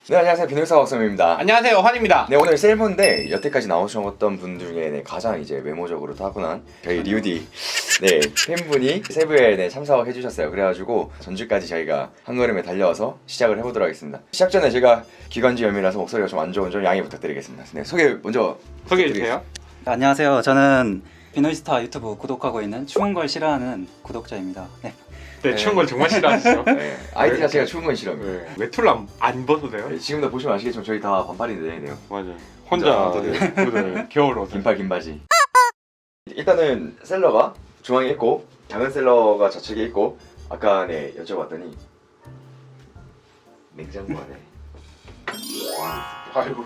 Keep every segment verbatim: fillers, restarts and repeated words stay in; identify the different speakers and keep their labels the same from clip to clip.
Speaker 1: 네, 안녕하세요. 비능사 박사입니다.
Speaker 2: 안녕하세요, 환입니다.
Speaker 1: 네, 오늘 셀프인데 여태까지 나오셨던 분 중에 네, 가장 이제 외모적으로 타고난 저희 리우디 네 팬분이 셀프에 네, 참석을 해주셨어요. 그래가지고 전주까지 저희가 한 걸음에 달려와서 시작을 해보도록 하겠습니다. 시작 전에 제가 기관지염이라서 목소리가 좀 안 좋은 점 양해 부탁드리겠습니다. 네, 소개 먼저
Speaker 2: 소개해주세요.
Speaker 3: 네, 안녕하세요. 저는 비노이스타 유튜브 구독하고 있는 추운 걸 싫어하는 구독자입니다. 네.
Speaker 2: 네, 추운 걸 정말 싫어하시죠?
Speaker 1: 네, 아이디 자체가 추운 건 싫어합니다.
Speaker 2: 네. 외투를 안, 안 벗으세요?
Speaker 1: 네, 지금도 보시면 아시겠지만 저희 다 반팔인데 네,
Speaker 2: 맞아요. 혼자
Speaker 1: 혼자
Speaker 2: 네, 겨울 옷.
Speaker 1: 긴팔 긴 바지. 일단은 셀러가 중앙에 있고 작은 셀러가 좌측에 있고 아까 네 여쭤봤더니 냉장고 안에
Speaker 2: 아이고.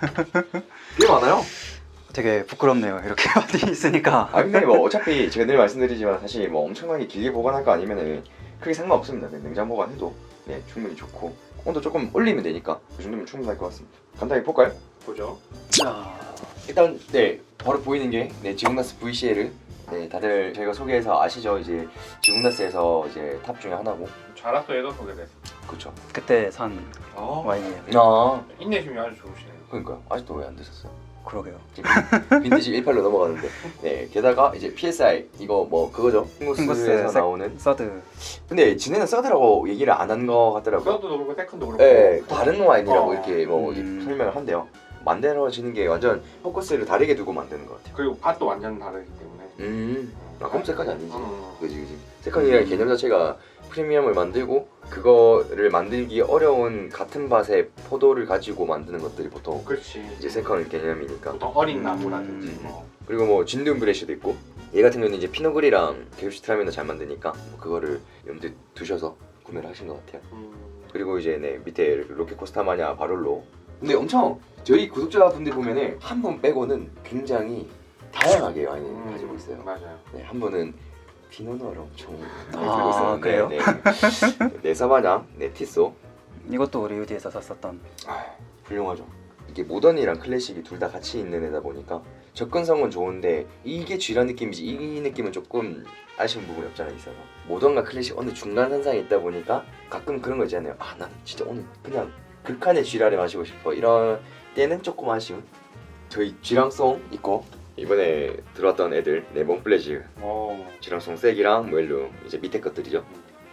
Speaker 1: 꽤 많아요.
Speaker 3: 되게 부끄럽네요. 이렇게 많이 있으니까.
Speaker 1: 아 근데 뭐 어차피 제가 늘 말씀드리지만 사실 뭐 엄청나게 길게 보관할 거 아니면은 크게 상관없습니다. 네, 냉장 보관해도 네 충분히 좋고 온도 조금 올리면 되니까 그 정도면 충분할 것 같습니다. 간단히 볼까요?
Speaker 2: 보죠.
Speaker 3: 자,
Speaker 1: 일단 네 바로 보이는 게 네 지공나스 브이씨엘 네 다들 저희가 소개해서 아시죠? 이제 지공나스에서 이제 탑 중에 하나고
Speaker 2: 자라소에도 소개됐어요.
Speaker 1: 그렇죠.
Speaker 3: 그때 산
Speaker 2: 어,
Speaker 3: 와인이에요.
Speaker 1: 아
Speaker 2: 인내심이 아주 좋으시네요.
Speaker 1: 그러니까요. 아직도 왜 안 드셨어요?
Speaker 3: 그러게요.
Speaker 1: 빈티지 십팔로 넘어가는데 네 게다가 이제 피에스아이 이거 뭐 그거죠 핑구스에서
Speaker 3: 색-
Speaker 1: 나오는
Speaker 3: 서드.
Speaker 1: 근데 지네는 서드라고 얘기를 안 한 거 같더라고요.
Speaker 2: 서드도 그렇고 세컨도 그렇고.
Speaker 1: 네 다른 와인이라고
Speaker 2: 어.
Speaker 1: 이렇게 뭐
Speaker 3: 음.
Speaker 1: 설명을 한대요. 만들어지는 게 완전 포커스를 다르게 두고 만드는 것 같아요.
Speaker 2: 그리고 밭도 완전 다르기 때문에.
Speaker 1: 음 아, 그럼 색깔이 아니지.
Speaker 2: 음.
Speaker 1: 그지 그지. 세컨이라는 개념 자체가 프리미엄을 만들고 그거를 만들기 어려운 같은 밭의 포도를 가지고 만드는 것들이 보통
Speaker 2: 그렇지.
Speaker 1: 이제 세컨 개념이니까.
Speaker 2: 보통 어린 나무라든지
Speaker 1: 음.
Speaker 2: 뭐.
Speaker 1: 그리고 뭐 진드움 브레쉬도 있고 얘 같은 경우는 이제 피노그리랑 게우슈트라면을 잘 만드니까 뭐 그거를 염두에 두셔서 구매를 하신 것 같아요.
Speaker 2: 음.
Speaker 1: 그리고 이제 네 밑에 로켓코스타마냐 바롤로 근데 엄청 저희 구독자분들 보면은 한 분 빼고는 굉장히 다양하게 와인을
Speaker 2: 음.
Speaker 1: 가지고 있어요.
Speaker 2: 맞아요.
Speaker 1: 네, 한 분은 피노누아를 엄청 많이
Speaker 3: 아,
Speaker 1: 들고 있었는데
Speaker 3: 그래요?
Speaker 1: 네, 네 사바냐, 네 티소
Speaker 3: 이것도 리우디에서 샀었던.
Speaker 1: 아, 훌륭하죠. 이게 모던이랑 클래식이 둘 다 같이 있는 애다 보니까 접근성은 좋은데 이게 쥐란 느낌이지 이 느낌은 조금 아쉬운 부분이 없잖아 있어서 모던과 클래식 어느 중간 선상에 있다 보니까 가끔 그런 거 있잖아요. 아 나는 진짜 오늘 그냥 극한의 쥐라를 마시고 싶어 이런 때는 조금 아쉬운 저희 쥐랑송 있고 이번에 들어왔던 애들 네 몽플레즈
Speaker 2: 오.
Speaker 1: 쥐랑송 색이랑 모엘루 이제 밑에 것들이죠.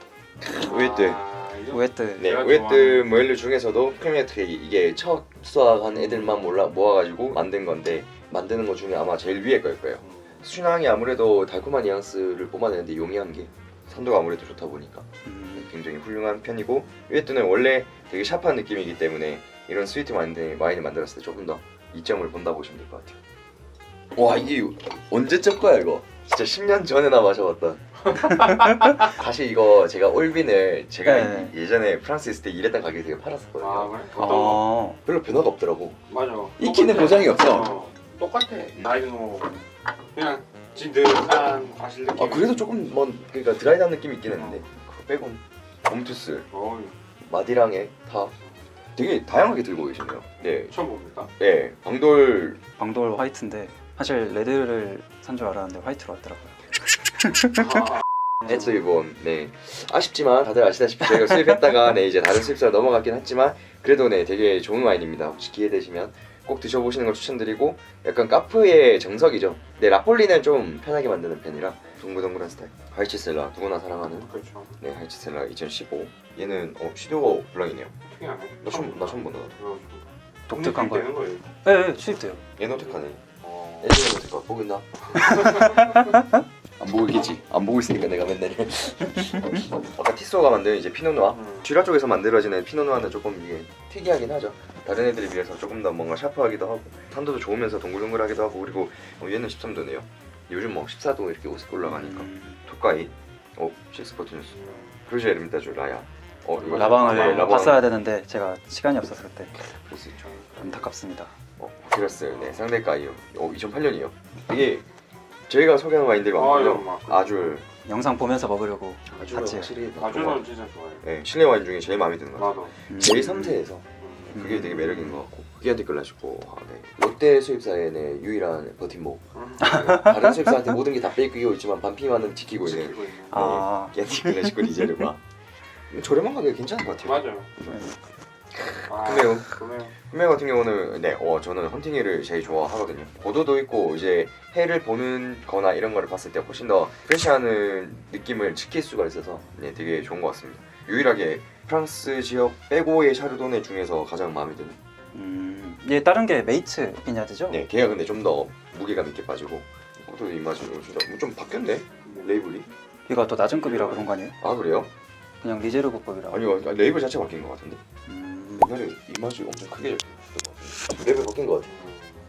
Speaker 1: 우에뜨.
Speaker 2: 아, 이거-
Speaker 3: 우에뜨.
Speaker 1: 네,
Speaker 2: 제가
Speaker 1: 우에뜨
Speaker 2: 좋아하는-
Speaker 1: 모엘루 중에서도 프리미어 트랙이 이게 첫 수확한 애들만 몰라 모아가지고 만든 건데 만드는 것 중에 아마 제일 위에 걸 거예요.
Speaker 2: 음.
Speaker 1: 순향이 아무래도 달콤한 뉘앙스를 뿜어내는데 용이한 게 산도가 아무래도 좋다 보니까
Speaker 3: 음,
Speaker 1: 굉장히 훌륭한 편이고 우에뜨는 원래 되게 샤프한 느낌이기 때문에 이런 스위트 와인을, 와인을 만들었을 때 조금 더 이점을 본다 보시면 될 것 같아요. 와 이게 언제적 거야 이거? 진짜 십 년 전에나 마셔봤던. 사실 이거 제가 올빈을 제가
Speaker 3: 네.
Speaker 1: 예전에 프랑스 있을 때 일했던 가게에 되게 팔았었거든요.
Speaker 2: 아, 그래? 어떤 거?
Speaker 3: 어,
Speaker 1: 별로 변화가 없더라고.
Speaker 2: 맞아.
Speaker 1: 익히는
Speaker 2: 똑같아.
Speaker 1: 보장이 없어.
Speaker 2: 어, 똑같아. 나이는 뭐 그냥 진득한 과실 느낌.
Speaker 1: 아 그래도 조금 뭐 그러니까 드라이한 느낌이 있긴 했는데 그거 빼곤 옴투스,
Speaker 2: 어,
Speaker 1: 마디랑에 다 되게 다양하게 들고 계시네요. 네,
Speaker 2: 처음 봅니까?
Speaker 1: 네 방돌
Speaker 3: 방돌 화이트인데 사실 레드를 산 줄 알았는데 화이트로 왔더라고요.
Speaker 2: 아,
Speaker 1: 에츠 이번 네 아쉽지만 다들 아시다시피 저희가 수입했다가 네 이제 다른 수입사로 넘어갔긴 했지만 그래도 네 되게 좋은 와인입니다. 혹시 기회 되시면 꼭 드셔보시는 걸 추천드리고 약간 카프의 정석이죠. 네 라폴리는 좀 편하게 만드는 편이라 동글동글한 스타일. 하이치셀라 누구나 사랑하는
Speaker 2: 그렇죠.
Speaker 1: 네 하이치셀라 이천십오 얘는 어 슈도 블랑이네요.
Speaker 2: 특이하네.
Speaker 1: 나 처음 나 처음 본다.
Speaker 3: 독특한
Speaker 2: 되는
Speaker 3: 거예요.
Speaker 2: 거예요.
Speaker 3: 네, 네, 수입돼요.
Speaker 1: 얘는 어떡하네.
Speaker 2: 어.
Speaker 1: 예전에 어떡하 보고 있나? 안 보고 있겠지. 안 보고 있으니까 내가 맨날. 아까 티소가 만든 이제 피노누아.
Speaker 2: 음.
Speaker 1: 쥐라 쪽에서 만들어지는 피노누아는 조금 이게 특이하긴 하죠. 다른 애들에 비해서 조금 더 뭔가 샤프하기도 하고 산도도 좋으면서 동글동글하기도 하고 그리고 어, 얘는 십삼 도네요. 요즘 뭐 십사 도 이렇게 올라가니까.
Speaker 3: 음,
Speaker 1: 토카이. 어 식스포트뉴스. 크루즈 에르미타주 라야. 어 이거
Speaker 3: 라방을
Speaker 1: 네, 라방.
Speaker 3: 봤어야 되는데 제가 시간이 없어서 그때
Speaker 1: 볼 수 있죠.
Speaker 3: 안타깝습니다.
Speaker 1: 어 바퀴러스 네 상대가이요. 어 이천팔 년이요. 이게 저희가 소개하는 와인들이
Speaker 2: 아,
Speaker 1: 많거든요.
Speaker 2: 이거 막
Speaker 1: 아주
Speaker 3: 영상 보면서 먹으려고
Speaker 1: 아주
Speaker 3: 같이.
Speaker 1: 확실히
Speaker 2: 아주는 진짜 좋아해.
Speaker 1: 네, 실내 와인 중에 제일 마음에 드는 것 같아요.
Speaker 2: 나도.
Speaker 3: 음,
Speaker 1: 제일 섬세해서
Speaker 2: 음.
Speaker 1: 그게 되게 매력인 것 같고 기안티 클라시코 아, 네. 롯데 수입사의 네, 유일한 버팀목
Speaker 2: 음.
Speaker 1: 네, 다른 수입사한테 모든 게 다 뺏기고 있지만 반피만은 지키고 있는
Speaker 2: 지키고 있는.
Speaker 3: 아,
Speaker 1: 기안티 클라시코 리제르바 저렴한 가격에 괜찮은 것 같아요.
Speaker 2: 맞아요. 아,
Speaker 1: 그래요.
Speaker 2: 그러네요.
Speaker 1: 흠메 같은 경우는 네, 어 저는 헌팅회를 제일 좋아하거든요. 보도도 있고 이제 해를 보는 거나 이런 거를 봤을 때 훨씬 더 프레시하는 느낌을 지킬 수가 있어서 네, 되게 좋은 것 같습니다. 유일하게 프랑스 지역 빼고의 샤르도네 중에서 가장 마음에 드는.
Speaker 3: 음, 얘 다른 게 메이츠 비냐드죠?
Speaker 1: 네, 걔가 근데 좀 더 무게감 있게 빠지고 또 입맛이 진짜 좀 바뀌었네 레이블이.
Speaker 3: 얘가 더 낮은 급이라 그런 거 아니에요?
Speaker 1: 아 그래요?
Speaker 3: 그냥 리제르고급이라.
Speaker 1: 아니요, 그러니까 레이블 자체가 바뀐 것 같은데.
Speaker 3: 음,
Speaker 1: 옛날에 입맛이 엄청 크게 잡혔던 것 같은데 레이블 바뀐 것 같아.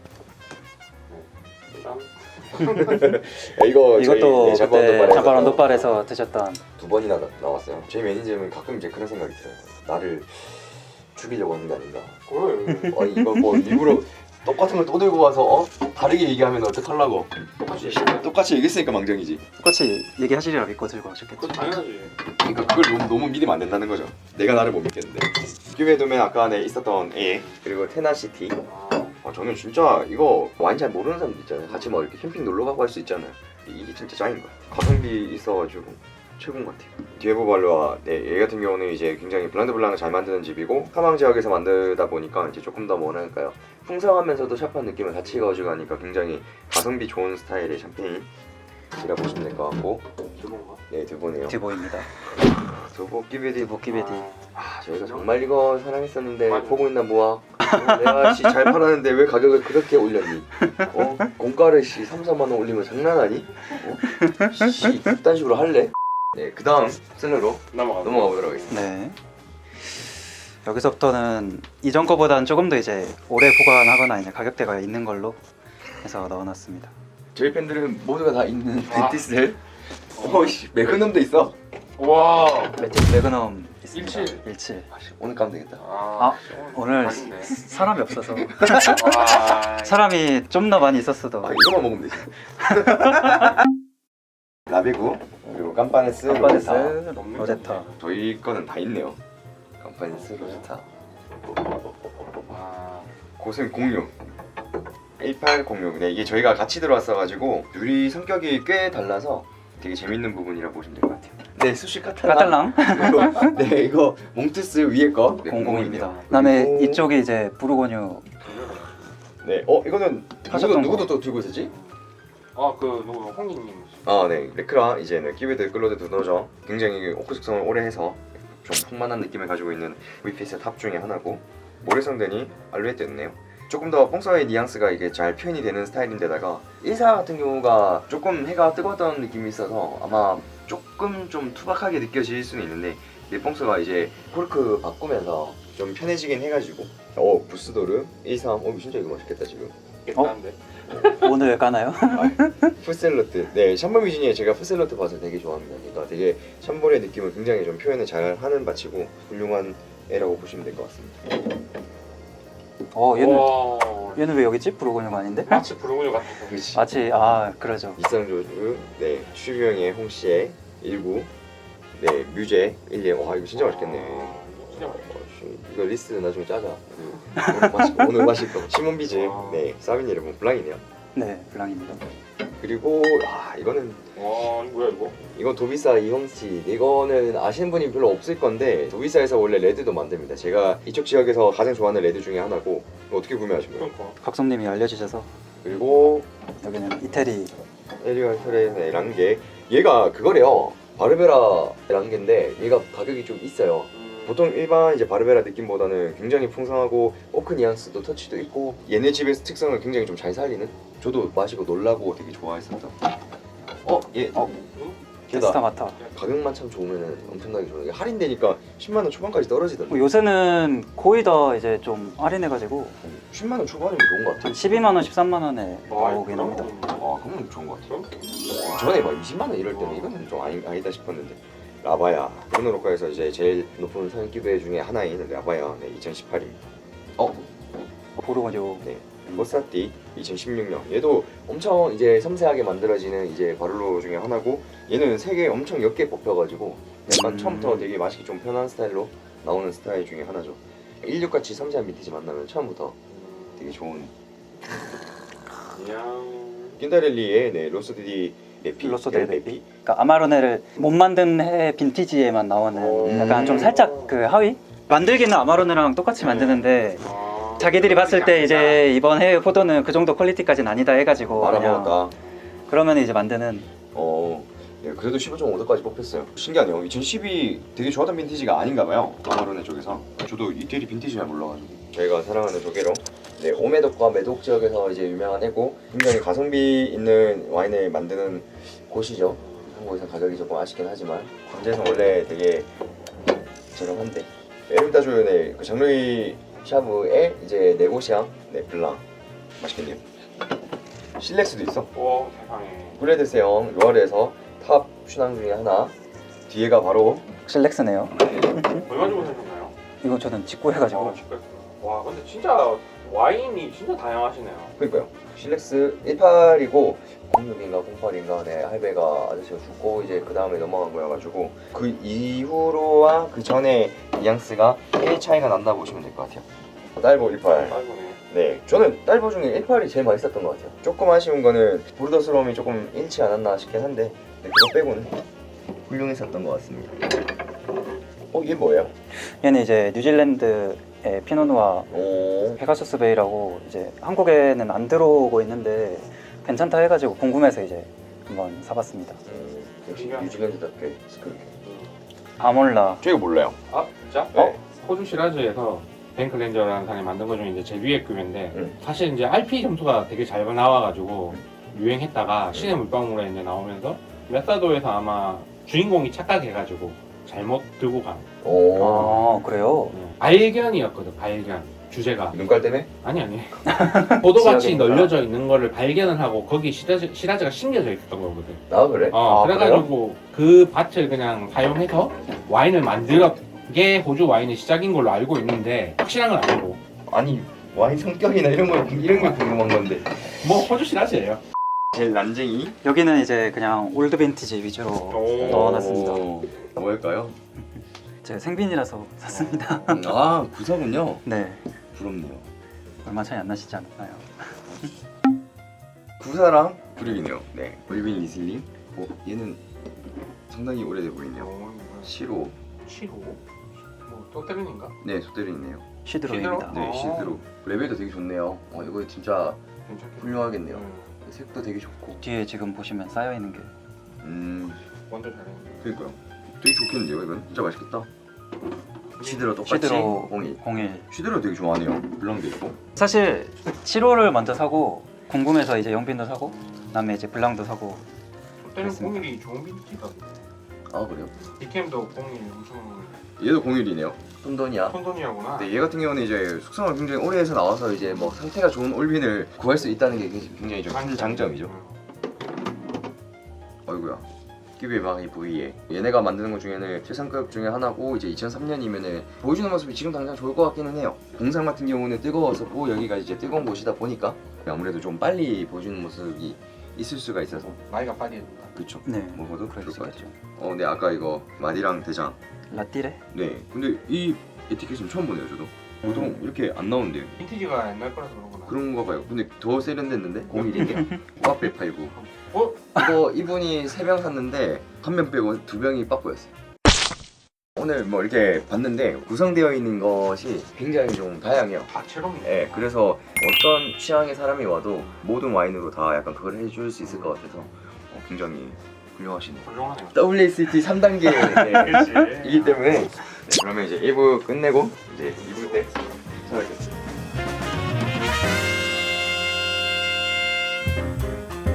Speaker 2: 일단
Speaker 1: 야, 이거
Speaker 3: 이것도
Speaker 1: 저희,
Speaker 3: 그때 자발 언더발에서 드셨던.
Speaker 1: 두 번이나 나, 나왔어요. 제 매니저는 가끔 이제 그런 생각이 들어요. 나를 죽이려고 하는 게 아닌가.
Speaker 2: 그래.
Speaker 1: 아니 이거 뭐 일부러 똑같은 걸 또 들고 와서 어? 다르게 얘기하면 어떡하려고.
Speaker 2: 똑같이 얘기해.
Speaker 1: 똑같이 얘기했으니까 망정이지.
Speaker 3: 똑같이 얘기하시리라 믿고 들고 오셨겠죠.
Speaker 2: 그건 당연하지.
Speaker 1: 그러니까 그걸 너무, 너무 믿으면 안 된다는 거죠. 내가 나를 못 믿겠는데. 큐베돔에 아까 네 있었던 애 그리고 테나시티.
Speaker 2: 아,
Speaker 1: 아, 저는 진짜 이거 와인 잘 모르는 사람들 있잖아요. 같이 뭐 이렇게 캠핑 놀러 가고 할 수 있잖아요. 이게 진짜 짱인 거야. 가성비 있어가지고 최고인 것 같아요. 디에보 발로아, 네, 얘 같은 경우는 이제 굉장히 블란드 블랑을 잘 만드는 집이고 사망 지역에서 만들다 보니까 이제 조금 더 뭐랄까요, 풍성하면서도 샤프한 느낌을 같이 가지고 가니까 굉장히 가성비 좋은 스타일의 샴페인이라 보시면 될 것 같고,
Speaker 2: 기본가?
Speaker 1: 네, 두보네요.
Speaker 3: 듀보입니다.
Speaker 1: 두보 끼베디.
Speaker 3: 보키베디.
Speaker 1: 아, 저희가 정말 이거 사랑했었는데
Speaker 2: 맞아.
Speaker 1: 보고 있나 뭐야. 어, 내가 씨 잘 팔았는데 왜 가격을 그렇게 올렸니? 어? 공가를 씨 삼, 사만 원 올리면 장난하니? 어? 씨 그딴 식으로 할래? 네, 그 다음 셀러로
Speaker 2: 넘어가.
Speaker 1: 넘어가 보도록 하겠습니다.
Speaker 3: 네. 여기서부터는 이전 거보다는 조금 더 이제 오래 보관하거나 이제 가격대가 있는 걸로 해서 넣어놨습니다.
Speaker 1: 저희 팬들은 모두가 다 있는
Speaker 2: 아.
Speaker 1: 벤티스를 어이씨 매그넘도 있어.
Speaker 2: 와.
Speaker 3: 매틱 매그넘 있습니다.
Speaker 2: 일칠.
Speaker 3: 일칠.
Speaker 1: 오늘 까면 되겠다.
Speaker 2: 아,
Speaker 3: 오늘
Speaker 2: 맛있네.
Speaker 3: 사람이 없어서
Speaker 2: 와.
Speaker 3: 사람이 좀 더 많이 있었어도
Speaker 1: 아 이거만 먹으면 되지. 라베구 그리고 깜파네스
Speaker 3: 깜파네스
Speaker 1: 로제타.
Speaker 3: 로제타.
Speaker 1: 저희 거는 다 있네요. 깜파네스 로제타
Speaker 2: 와.
Speaker 1: 고생 공유 일팔공육. 네, 이게 저희가 같이 들어왔어가지고 둘이 성격이 꽤 달라서 되게 재밌는 부분이라 보시면 될 것 같아요. 네, 수시 카탈랑.
Speaker 3: 카탈랑
Speaker 1: 네, 이거 몽투스 위에 거 네,
Speaker 3: 공공입니다.
Speaker 1: 공공이네요.
Speaker 3: 그다음에
Speaker 1: 그리고-
Speaker 3: 이쪽이 이제 부르고뉴.
Speaker 1: 네, 어 이거는 누구도
Speaker 3: 하셨던
Speaker 1: 누구도
Speaker 3: 거.
Speaker 1: 또 들고 있었지?
Speaker 2: 아, 그 누구 홍기님.
Speaker 1: 아, 네, 레크라 이제는 키베드 클로드 두노죠. 굉장히 오크 숙성을 오래 해서 좀 풍만한 느낌을 가지고 있는 브이피에스의 탑 중에 하나고, 모래성den이 알루에트였네요. 조금 더 뽕서의 뉘앙스가 이게 잘 표현이 되는 스타일인데다가 일사 같은 경우가 조금 해가 뜨거웠던 느낌이 있어서 아마 조금 좀 투박하게 느껴질 수는 있는데, 뽕서가 이제 코르크 바꾸면서 좀 편해지긴 해가지고. 어 부스도르 일삼. 어 진짜 이거 맛있겠다 지금.
Speaker 2: 괜찮은데.
Speaker 3: 오늘 까나요?
Speaker 1: 푸셀로트. 네, 샴볼 미진이 제가 푸셀로트 밭을 되게 좋아합니다. 그러니까 되게 샴볼의 느낌을 굉장히 좀 표현을 잘 하는 밭이고 훌륭한 애라고 보시면 될 것 같습니다.
Speaker 3: 어 얘는
Speaker 2: 와.
Speaker 3: 얘는 왜 여기 있지? 부르고뉴가 아닌데?
Speaker 2: 마치 부르고뉴 같은 거.
Speaker 1: 그렇지.
Speaker 3: 마치 아 그러죠.
Speaker 1: 이상조주, 네, 슈병의 홍시에 일구, 네, 뮤제 일예. 와 이거 진짜 맛있겠네.
Speaker 2: 아, 진짜 맛있다.
Speaker 1: 어, 씨, 이거 리스트 나중에 짜자. 그, 오늘 마실 거, 오늘 마실 거. 시몬 비즈, 네, 사비니 르몬 블랑이네요.
Speaker 3: 네 블랑입니다.
Speaker 1: 그리고 아 이거는
Speaker 2: 와, 이거 뭐야 이거?
Speaker 1: 이건 도비사 이홍씨. 이거는 아시는 분이 별로 없을 건데 도비사에서 원래 레드도 만듭니다. 제가 이쪽 지역에서 가장 좋아하는 레드 중에 하나고. 이거 어떻게 구매하신 거예요?
Speaker 2: 그러니까.
Speaker 3: 각성님이 알려주셔서
Speaker 1: 그리고
Speaker 3: 여기는 이태리.
Speaker 1: 에리얼 혈의 랑게. 얘가 그거래요. 바르베라 랑게인데 얘가 가격이 좀 있어요.
Speaker 2: 음,
Speaker 1: 보통 일반 이제 바르베라 느낌보다는 굉장히 풍성하고 오크 뉘앙스도 터치도 있고 얘네 집의 특성을 굉장히 좀 잘 살리는. 저도 마시고 놀라고 되게 좋아했었던. 어? 얘
Speaker 3: 어?
Speaker 1: 걔다.
Speaker 3: 테스타마타.
Speaker 1: 가격만 참 좋으면 엄청나게 좋은 게 할인되니까 십만 원 초반까지 떨어지던데.
Speaker 3: 뭐 요새는 거의 다 이제 좀 할인해가지고
Speaker 1: 십만 원 초반이면 좋은 것 같아.
Speaker 3: 한 십이만 원, 십삼만 원에
Speaker 2: 와,
Speaker 3: 나오긴 합니다.
Speaker 1: 아 그러면 좋은 것 같아.
Speaker 2: 그럼?
Speaker 1: 전에 막 이십만 원 이럴 때는 이거는 좀 아니, 아니다 싶었는데. 라바야 브루노로카에서 이제 제일 높은 선기배 중에 하나인 라바야. 네, 이천십팔입니다. 어?
Speaker 3: 부르고뉴.
Speaker 1: 네, 모사띠 이천십육 년. 얘도 엄청 이제 섬세하게 만들어지는 이제 바를로 중에 하나고, 얘는 색에 엄청 옅게 뽑혀가지고 약간
Speaker 3: 음.
Speaker 1: 처음부터 되게 마시기 좀 편한 스타일로 나오는 스타일 중에 하나죠. 일육같이 섬세한 빈티지 만나면 처음부터 되게 좋은.
Speaker 2: 그냥.
Speaker 1: 낀다렐리의 네, 로스디디 레피.
Speaker 3: 로소 델 베피. 그러니까 아마로네를 못 만든 해 빈티지에만 나오는
Speaker 2: 오.
Speaker 3: 약간 좀 살짝 그 하위 만들기는 아마로네랑 똑같이 만드는데
Speaker 2: 아,
Speaker 3: 자기들이 봤을 때 이제 이번 해외 포도는 그 정도 퀄리티까지는 아니다 해가지고 그냥
Speaker 1: 알아먹었다.
Speaker 3: 그러면 이제 만드는.
Speaker 1: 어, 예, 그래도 십오 점 오도까지 뽑혔어요. 신기하네요. 이천십이 되게 좋았던 빈티지가 아닌가 봐요. 아마로네 쪽에서. 저도 이태리 빈티지 잘 몰라가지고. 저희가 사랑하는 조개로 네, 오메독과 메독 지역에서 이제 유명한 애고 굉장히 가성비 있는 와인을 만드는 곳이죠. 한국에서 가격이 조금 아쉽긴 하지만 관제에서 원래 되게 저렴한데 에르미타주의 그 장르이 샤브의 이제 네고시앙 네 블랑 맛있겠네요. 실렉스도 있어.
Speaker 2: 오 세상에.
Speaker 1: 브레드세형 로아르에서 탑 슈낭 중에 하나. 뒤에가 바로
Speaker 3: 실렉스네요.
Speaker 2: 얼마 주고 사셨나요?
Speaker 3: 이거 저는 직구 해가지고.
Speaker 2: 아, 진짜. 와 근데 진짜 와인이 진짜 다양하시네요.
Speaker 1: 그러니까요. 실렉스 십팔이고 공육인가 공팔인가 네 할배가 아저씨가 죽고 이제 그 다음에 넘어간 거여가지고 그 이후로와 그 전에 뉘앙스가 꽤 차이가 난다 보시면 될 것 같아요. 딸보 십팔.
Speaker 2: 아이고네.
Speaker 1: 네, 저는 딸보 중에 십팔이 제일 맛있었던 것 같아요. 조금 아쉬운 거는 보르더스러움이 조금 잃지 않았나 싶긴 한데 네, 그거 빼고는 훌륭했었던 것 같습니다. 어, 이게 뭐예요?
Speaker 3: 얘는 이제 뉴질랜드의 피노누아
Speaker 1: 오,
Speaker 3: 페가수스 베이라고 이제 한국에는 안 들어오고 있는데 괜찮다 해가지고 궁금해서 이제 한번 사봤습니다.
Speaker 1: 음, 역시 뉴질랜드답게 스크립.
Speaker 3: 아몰라.
Speaker 1: 저 이거 몰라요.
Speaker 2: 아 진짜?
Speaker 1: 네.
Speaker 2: 어? 호주 시라즈에서 뱅클렌저라는 사람이 만든 것 중에 이제 제비의 급인데
Speaker 1: 음.
Speaker 2: 사실 이제 알피 점수가 되게 잘 나와가지고 유행했다가 신의 물방울에 이제 나오면서 메사도에서 아마 주인공이 착각해가지고 잘못 들고 간
Speaker 1: 오,
Speaker 3: 아 그래요?
Speaker 2: 네. 발견이었거든. 발견 주제가
Speaker 1: 눈깔 때문에?
Speaker 2: 아니 아니 포도밭이
Speaker 3: 지역이니까.
Speaker 2: 널려져 있는 거를 발견을 하고 거기 시라즈, 시라즈가 심겨져 있었던 거거든.
Speaker 1: 아 그래?
Speaker 2: 어
Speaker 3: 아,
Speaker 2: 그래가지고 그 밭을 그냥 사용해서 와인을 만들게 호주 와인의 시작인 걸로 알고 있는데 확실한 건 아니고
Speaker 1: 아니 와인 성격이나 이런 거 이런 거 궁금한 건데.
Speaker 2: 뭐 호주 시라즈예요.
Speaker 1: 제일 난쟁이?
Speaker 3: 여기는 이제 그냥 올드 빈티지 위주로
Speaker 2: 오.
Speaker 3: 넣어놨습니다.
Speaker 1: 오, 뭘까요?
Speaker 3: 제가 생빈이라서 샀습니다.
Speaker 1: 음, 아 구사군요.
Speaker 3: 네,
Speaker 1: 부럽네요.
Speaker 3: 얼마 차이 안 나시지 않나요?
Speaker 1: 구사랑 브릭이네요. 네, 올빈 리슬링. 어, 얘는 상당히 오래돼 보이네요.
Speaker 2: 오,
Speaker 1: 시로.
Speaker 2: 칠호 뭐또 때리는가?
Speaker 1: 네, 소대리 있네요.
Speaker 3: 시드로입니다.
Speaker 2: 시드로?
Speaker 1: 네,
Speaker 2: 아.
Speaker 1: 시드로. 레벨도 되게 좋네요. 어, 이거 진짜
Speaker 2: 괜찮겠네.
Speaker 1: 훌륭하겠네요.
Speaker 2: 음,
Speaker 1: 색도 되게 좋고.
Speaker 3: 뒤에 지금 보시면 쌓여 있는 게
Speaker 1: 음,
Speaker 2: 완전 잘했네.
Speaker 1: 그러니까요. 되게 좋겠는데요, 이건 진짜 맛있겠다. 시드로 똑같이
Speaker 3: 시드로
Speaker 1: 공이.
Speaker 3: 공일.
Speaker 1: 시드로 되게 좋아하네요. 블랑도 있고.
Speaker 3: 사실 칠호를 먼저 사고 궁금해서 이제 영빈도 사고 그다음에 이제 블랑도 사고.
Speaker 2: 또 때는
Speaker 3: 그렇습니다.
Speaker 2: 공일이 좋은 빈티지던데.
Speaker 1: 아 그래요?
Speaker 2: 디캠도 공일 엄청
Speaker 1: 얘도 공일이네요. 톤돈이야.
Speaker 2: 톤돈이하구나.
Speaker 1: 네, 얘 같은 경우는 이제 숙성을 굉장히 오래 해서 나와서 이제 뭐 상태가 좋은 올빈을 구할 수 있다는 게 굉장히 좀 큰 장점이죠. 어이구야. 끼비방이 V에 얘네가 만드는 것 중에는 최상급 중에 하나고 이제 이천삼 년이면은 보여주는 모습이 지금 당장 좋을 것 같기는 해요. 공상 같은 경우는 뜨거웠었고 여기가 이제 뜨거운 곳이다 보니까 아무래도 좀 빨리 보여주는 모습이 있을 수가 있어서
Speaker 2: 나이가 빨리 해준다.
Speaker 1: 그쵸.
Speaker 3: 네,
Speaker 1: 먹어도
Speaker 3: 그럴
Speaker 1: 좋을
Speaker 3: 수
Speaker 1: 것 같아요.
Speaker 3: 있겠죠.
Speaker 1: 어, 네 아까 이거 마디랑 대장.
Speaker 3: 라띠레?
Speaker 1: 네, 근데 이 에티켓은 처음 보네요 저도. 보통 이렇게 안 나오는데요.
Speaker 2: 빈티지가 옛날 거라서 그런구나.
Speaker 1: 그런가 봐요. 근데 더 세련됐는데 공일인데 빡배 팔고.
Speaker 2: 어?
Speaker 1: 이거 이분이 세 병 샀는데 한 병 빼고 두 병이 빠꾸였어요. 오늘 뭐 이렇게 봤는데 구성되어 있는 것이 굉장히 좀 다양해요.
Speaker 2: 다채롭네.
Speaker 1: 예, 그래서 어떤 취향의 사람이 와도 모든 와인으로 다 약간 그걸 해줄 수 있을 것 같아서 어, 굉장히 훌륭하시네요.
Speaker 2: 훌륭하네요.
Speaker 1: 더블유 에이치 티 삼 단계이기
Speaker 2: 그렇지.
Speaker 1: 때문에 네, 그러면 이제 일 부 끝내고 이제 이 부 때 찾아뵙겠습니다.